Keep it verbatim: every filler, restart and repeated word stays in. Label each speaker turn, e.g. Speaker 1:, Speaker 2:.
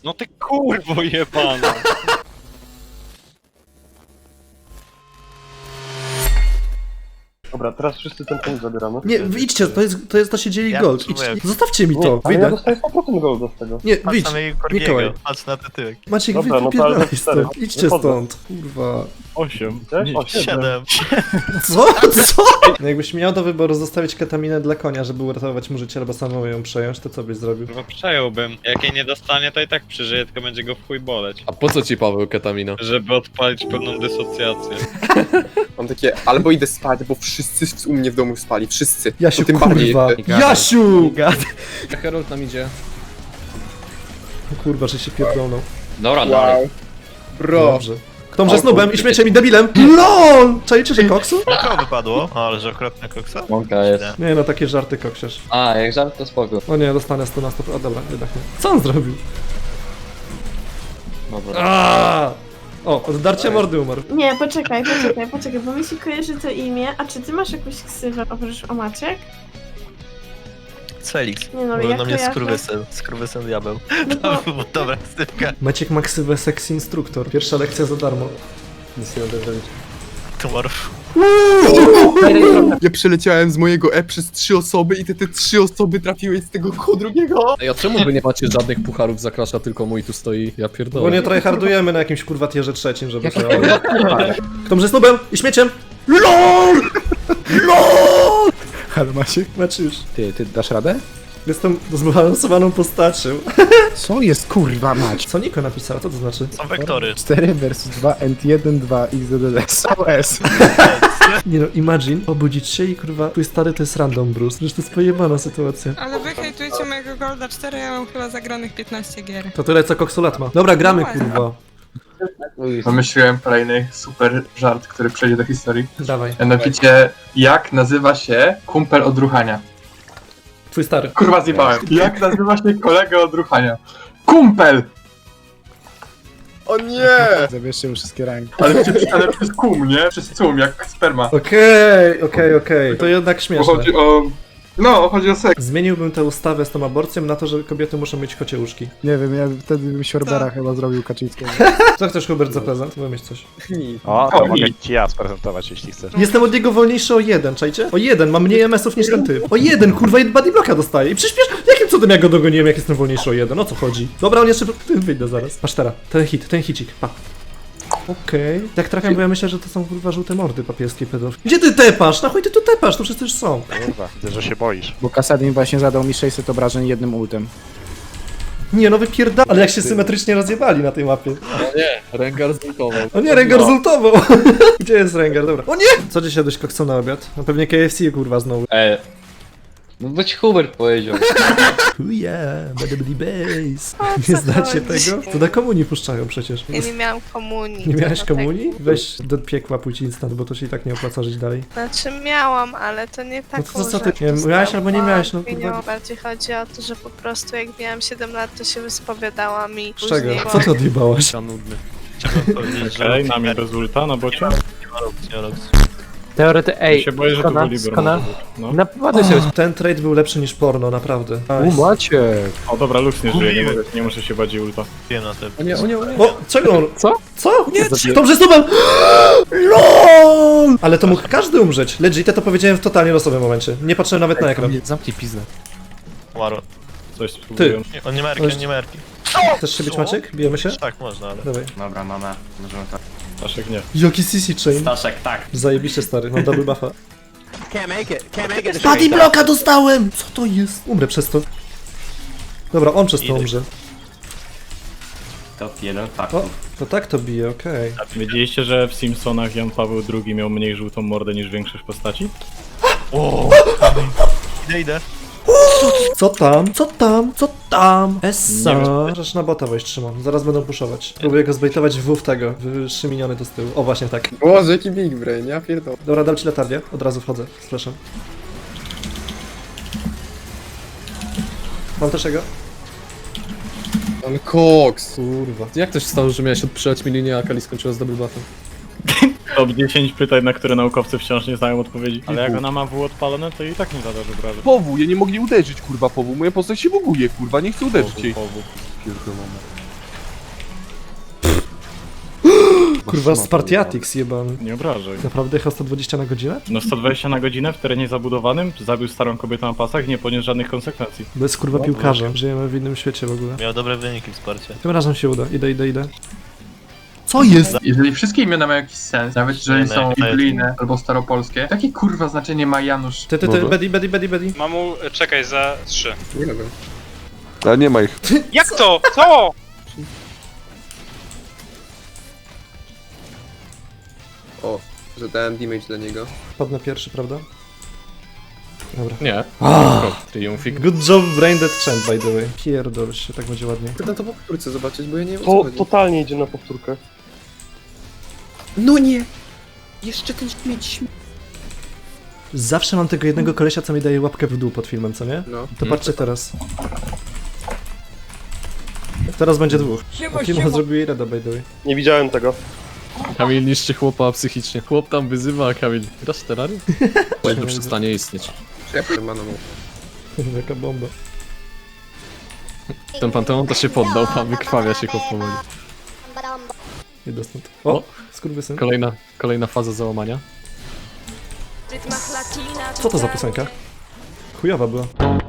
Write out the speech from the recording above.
Speaker 1: No ty kurwo jebana.
Speaker 2: Dobra, teraz wszyscy ten punkt zabieramy.
Speaker 3: Nie, idźcie, to jest, to jest, to się dzieli
Speaker 4: Ja
Speaker 3: gold.
Speaker 4: potrzebuję-
Speaker 3: Idźcie. Zostawcie mi
Speaker 2: Nie,
Speaker 3: to,
Speaker 2: ale ja
Speaker 3: wyjdę.
Speaker 2: dostaję sto procent golda z tego.
Speaker 3: Nie,
Speaker 4: Patrz
Speaker 3: wyjdź.
Speaker 4: na mojego
Speaker 3: Mikołaj.
Speaker 4: Korbiego, patrz na ten tyłek.
Speaker 3: Maciek,
Speaker 2: Dobra,
Speaker 3: wy
Speaker 2: no to ale
Speaker 3: wypierdalaj
Speaker 2: cztery.
Speaker 3: stąd. Idźcie
Speaker 2: Wychodzę.
Speaker 3: stąd. Kurwa.
Speaker 5: Osiem.
Speaker 2: Cześć? O, siedem.
Speaker 4: Siedem.
Speaker 3: Co? Co? No jakbyś miał do wyboru zostawić ketaminę dla konia, żeby uratować mu życie albo samemu ją przejąć, to co byś zrobił?
Speaker 1: Kurwa przejąłbym. Jak jej nie dostanie, to i tak przeżyje, tylko będzie go w chuj boleć.
Speaker 6: A po co ci, Paweł, ketamina?
Speaker 1: Żeby odpalić pewną dysocjację.
Speaker 7: Mam takie, albo idę spać, bo wszyscy u mnie w domu spali, wszyscy.
Speaker 3: Jasiu,
Speaker 7: To tym bardziej.
Speaker 3: kurwa. Jasiu!
Speaker 6: Herald nam idzie.
Speaker 3: Kurwa, że się pierdolną.
Speaker 6: Dobra,
Speaker 7: Wow. Bro.
Speaker 3: Dobrze. Kto może
Speaker 7: O,
Speaker 3: snubem
Speaker 7: kurde.
Speaker 3: i śmieciem i debilem? LOL! Czajcie, że koksu?
Speaker 4: Na kogo wypadło? O, ale że okropna koksa?
Speaker 8: Mąka jest.
Speaker 3: Nie no, takie żarty koksiarz.
Speaker 8: A, jak żart to spoko.
Speaker 3: O nie, dostanę sto na sto. A dobra, jednak nie. Co on zrobił?
Speaker 8: Dobra.
Speaker 3: Aaaa! O, od darcia mordy umarł.
Speaker 9: Nie, poczekaj, poczekaj, poczekaj, bo mi się kojarzy to imię. A czy ty masz jakąś ksywę oprócz Omaciek?
Speaker 4: Felix.
Speaker 9: Nie no,
Speaker 4: Mówią
Speaker 9: jak
Speaker 4: na mnie
Speaker 9: kojarzę?
Speaker 4: skurwysyn. Skurwysyn diabeł.
Speaker 9: No
Speaker 4: To
Speaker 9: to,
Speaker 4: była dobra ksywka.
Speaker 3: Maciek Maksywę Sexy Instruktor. Pierwsza lekcja za darmo. Nic nie będę robić.
Speaker 4: Tomorrow.
Speaker 7: Ja przeleciałem z mojego E przez trzy osoby i te, te trzy osoby trafiły z tego koło drugiego.
Speaker 6: Ej, a czemu wy nie macie żadnych pucharów za Crasha, tylko mój tu stoi? Ja pierdolę.
Speaker 3: Bo nie tryhardujemy na jakimś kurwa tierze trzecim, żeby to... Kto może snubem i śmieciem? LOL! LOL!
Speaker 5: Ale Maciek?
Speaker 3: Maciuś,
Speaker 5: Ty, ty dasz radę?
Speaker 3: jestem zbalansowaną postacią.
Speaker 5: Co jest kurwa mać?
Speaker 3: Co Niko napisała? Co to znaczy?
Speaker 4: Są wektory.
Speaker 5: cztery versus dwa, ent jeden, dwa, x d d s. O s.
Speaker 3: Nie no, imagine, obudzić się i kurwa, twój stary to jest random Bruce. Przecież to jest pojebana sytuacja.
Speaker 10: Ale wy hejtujecie mojego Golda cztery, ja mam chyba zagranych piętnaście gier.
Speaker 3: To tyle co koksulat ma. Dobra, gramy kurwa.
Speaker 11: Wymyśliłem kolejny super żart, który przejdzie do historii.
Speaker 3: Dawaj.
Speaker 11: Mianowicie, jak nazywa się kumpel od ruchania?
Speaker 3: Twój stary.
Speaker 11: Kurwa zjebałem. Jak nazywa się kolega od ruchania? Kumpel!
Speaker 7: O nie!
Speaker 5: Zabierzcie mu wszystkie ranki.
Speaker 11: Ale przez, ale przez kum, nie? Przez cum, jak sperma.
Speaker 3: Okej, okej, okej. To jednak
Speaker 11: Bo
Speaker 3: śmieszne.
Speaker 11: chodzi o... No, chodzi o seks.
Speaker 3: Zmieniłbym tę ustawę z tą aborcją na to, że kobiety muszą mieć kocie łóżki.
Speaker 5: Nie wiem, ja wtedy bym Siorbera chyba zrobił Kaczyńskiego.
Speaker 3: Co chcesz, Hubert, za prezent? Wymyśl coś.
Speaker 5: O,
Speaker 11: to mogę
Speaker 5: ci ja sprezentować, jeśli chcesz.
Speaker 3: Jestem od niego wolniejszy o jeden, czajcie? O jeden, mam mniej em esów niż ten typ. O jeden, kurwa, body blocka dostaję. I przyspiesz, jakim cudem ja go dogoniłem, jak jestem wolniejszy o jeden? O co chodzi? Dobra, on jeszcze... Wyjdę zaraz. Patrz teraz, ten hit, ten hicik, pa. Okej. Tak trafiam, bo ja myślę, że to są kurwa żółte mordy papieskie pedofile. Gdzie ty tepasz? Na chuj ty tu tepasz? To wszyscy już są.
Speaker 5: Kurwa, widzę, że się boisz. Bo Kasadin właśnie zadał mi sześćset obrażeń jednym ultem.
Speaker 3: Nie no, wypierda... Ale jak się symetrycznie rozjebali na tej mapie.
Speaker 6: O nie, Rengar zultował.
Speaker 3: O nie, Rengar zultował! Gdzie jest Rengar? Dobra. O nie! Co dzisiaj dość koksu na obiad? No pewnie K F C kurwa znowu.
Speaker 8: E, no bo ci Hubert powiedział.
Speaker 3: Oh yeah, bada bada bass.
Speaker 9: O,
Speaker 3: Nie
Speaker 9: co
Speaker 3: znacie
Speaker 9: chodzi?
Speaker 3: tego? To na komunii puszczają przecież.
Speaker 10: Ja nie miałam komunii.
Speaker 3: Nie miałeś
Speaker 10: dlatego
Speaker 3: komunii? Weź do piekła pójdź instant, bo to się i tak nie opłaca żyć dalej.
Speaker 10: tak. Znaczy miałam, ale to nie taką
Speaker 3: to co ty-
Speaker 10: rzecz
Speaker 3: nie, miałaś albo nie miałaś, no,
Speaker 10: dostałam.
Speaker 3: kurwa.
Speaker 10: Bardziej chodzi o to, że po prostu jak miałam siedem lat, to się wyspowiadałam i
Speaker 3: Z czego?
Speaker 10: później...
Speaker 3: Co ty odjebałaś?
Speaker 6: Ja nudny.
Speaker 4: Chciałbym powiedzieć, że...
Speaker 5: Okej, nami bez ulta na bocie.
Speaker 4: Nie ma opcji, nie ma opcji.
Speaker 5: Teorety, ej, ja się boję, że to był Libero. No.
Speaker 3: Naprawdę się... Ten trade był lepszy niż porno, naprawdę. Nice.
Speaker 5: Macie. O dobra, Lux nie żyje, nie, mogę, nie muszę się bardziej ulta.
Speaker 4: Nie na tym.
Speaker 6: O nie, o nie, o nie.
Speaker 3: O, czego on?
Speaker 5: Co?
Speaker 3: Co? Nie, dobrze stubem! LOL! Ale to mógł każdy umrzeć. Legit, ja to powiedziałem w totalnie losowym momencie. Nie patrzyłem nawet na ekran.
Speaker 6: Zamknij pizdę.
Speaker 4: Waro.
Speaker 5: Coś spróbuję.
Speaker 4: Nie, on nie ma erki, on nie ma erki.
Speaker 3: Chcesz się bić, Maciek? Bijemy się?
Speaker 4: Tak, można, ale...
Speaker 3: Dawaj.
Speaker 8: Dobra, mamy. Możemy tak.
Speaker 5: Staszek nie.
Speaker 3: Jaki C C chain?
Speaker 8: Staszek, tak.
Speaker 3: Zajebiście stary, mam double buffa.
Speaker 8: Can't make it, can't make it.
Speaker 3: Body blocka dostałem! Co to jest? Umrę przez to. Dobra, on przez to
Speaker 4: Idę.
Speaker 3: umrze.
Speaker 8: Top jeden, tak.
Speaker 3: O, to tak to bije, okej.
Speaker 5: Wiedzieliście, że w Simpsonach Jan Paweł drugi miał mniej żółtą mordę niż większość postaci?
Speaker 4: O, idę, idę.
Speaker 3: Co tam? Co tam? Co tam? Essa. Możesz na bota wejść, Szymon. Zaraz będą puszować. Próbuję go zbejtować w w tego. W trzy miniony to z tyłu. O, właśnie tak.
Speaker 7: Boże, jaki big brain, ja pierdolę.
Speaker 3: Dobra, dam ci latarnię. Od razu wchodzę. Z flashem. Mam też jego?
Speaker 7: On koks.
Speaker 3: Kurwa.
Speaker 6: Jak to się stało, że miałeś odprzeć mi linię, a Kali skończyła z double buffem?
Speaker 5: Top dziesięć pytań, na które naukowcy wciąż nie znają odpowiedzi. Ale jak ona ma W odpalone, to i tak nie zada obrażeń.
Speaker 12: Powu, ja nie mogli uderzyć, kurwa, powu. Moja postać się buguje, kurwa, nie chcę uderzyć jej.
Speaker 5: Powu.
Speaker 12: Pierdolone.
Speaker 3: Kurwa, Spartiatix jebany.
Speaker 5: Nie obrażaj.
Speaker 3: Naprawdę jechał sto dwadzieścia na godzinę?
Speaker 5: No sto dwadzieścia na godzinę w terenie zabudowanym, zabił starą kobietę na pasach i nie poniósł żadnych konsekwencji.
Speaker 3: Bo jest kurwa piłkarzem. Żyjemy w innym świecie w ogóle.
Speaker 4: Miał dobre wyniki w sporcie.
Speaker 3: Tym razem się uda. Idę, idę, idę. Co jest?
Speaker 11: Jeżeli wszystkie imiona mają jakiś sens, nawet jeżeli
Speaker 4: Nie,
Speaker 11: są
Speaker 4: nie, nie.
Speaker 11: biblijne albo staropolskie, jakie kurwa znaczenie ma Janusz?
Speaker 3: Ty, ty, ty, Betty, Betty, Betty, Betty.
Speaker 1: Mamu, czekaj za trzy.
Speaker 7: Nie wiem.
Speaker 2: Ale nie ma ich.
Speaker 1: Jak to? Co?
Speaker 7: O, że dałem damage dla niego.
Speaker 3: Padnę pierwszy, prawda? Dobra.
Speaker 6: Nie.
Speaker 3: Ah,
Speaker 6: Triumfik.
Speaker 3: good job, Braindead Champ, by the way. Pierdol się, tak będzie ładnie.
Speaker 7: Chcę to po powtórce zobaczyć, bo ja nie wiem o co
Speaker 2: To
Speaker 7: chodzi.
Speaker 2: totalnie idzie na powtórkę.
Speaker 7: No nie! Jeszcze ten śmieć.
Speaker 3: Zawsze mam tego jednego kolesia, co mi daje łapkę w dół pod filmem, co nie?
Speaker 7: No.
Speaker 3: To patrzcie teraz. Teraz będzie dwóch. Timo zrobił jej rada, by the way.
Speaker 2: Nie widziałem tego.
Speaker 6: Kamil niszczy chłopa psychicznie. Chłop tam wyzywa, a Kamil. Grasz w terrarium? Bo przestanie istnieć.
Speaker 7: Ja powiem maną.
Speaker 3: Jaka bomba.
Speaker 6: Ten Panteon to się poddał, a wykrwawia się chłop powoli.
Speaker 3: Idę stąd. O! Skurwysyn.
Speaker 6: Kolejna, kolejna faza załamania.
Speaker 3: Co to za piosenka? Chujowa była.